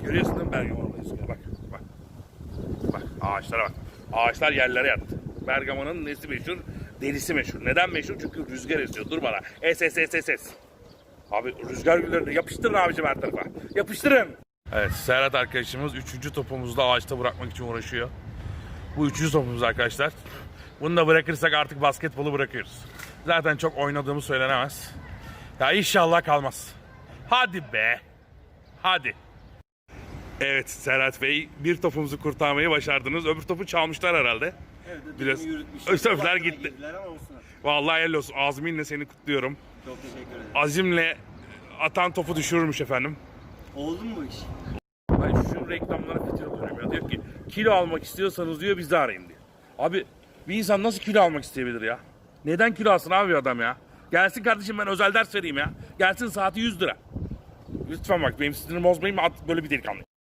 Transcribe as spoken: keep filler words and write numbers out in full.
Görüyorsun değil mi Bergama rüzgarı? Bak, bak. Bak, ağaçlara bak. Ağaçlar yerlere yattı. Bergama'nın nesi meşhur? Derisi meşhur. Neden meşhur? Çünkü rüzgar esiyor. Dur bana. Es es es es es. Abi rüzgar güllerini yapıştırın abicim her tarafa. Yapıştırın. Evet, Serhat arkadaşımız üçüncü topumuzu da ağaçta bırakmak için uğraşıyor. Bu üçüncü topumuz arkadaşlar. Bunu da bırakırsak artık basketbolu bırakıyoruz. Zaten çok oynadığımız söylenemez. Ya inşallah kalmaz. Hadi be. Hadi. Evet Serhat Bey, bir topumuzu kurtarmayı başardınız. Öbür topu çalmışlar herhalde. Evet, Biraz yürütmüşler. ösefler gitti. Ama olsun. Vallahi helal olsun. Azminle seni kutluyorum. Çok teşekkür ederim. Azimle atan topu düşürürmüş efendim. Oldu mu bu iş? Ben şu reklamlara fitil oluyorum ya. Diyor ki kilo almak istiyorsanız diyor bizi arayın diyor. Abi bir insan nasıl kilo almak isteyebilir ya? Neden kilo alsın abi adam ya? Gelsin kardeşim ben özel ders vereyim ya. Gelsin saati yüz lira. Lütfen bak benim sinirimi bozmayın, böyle bir delikanlı.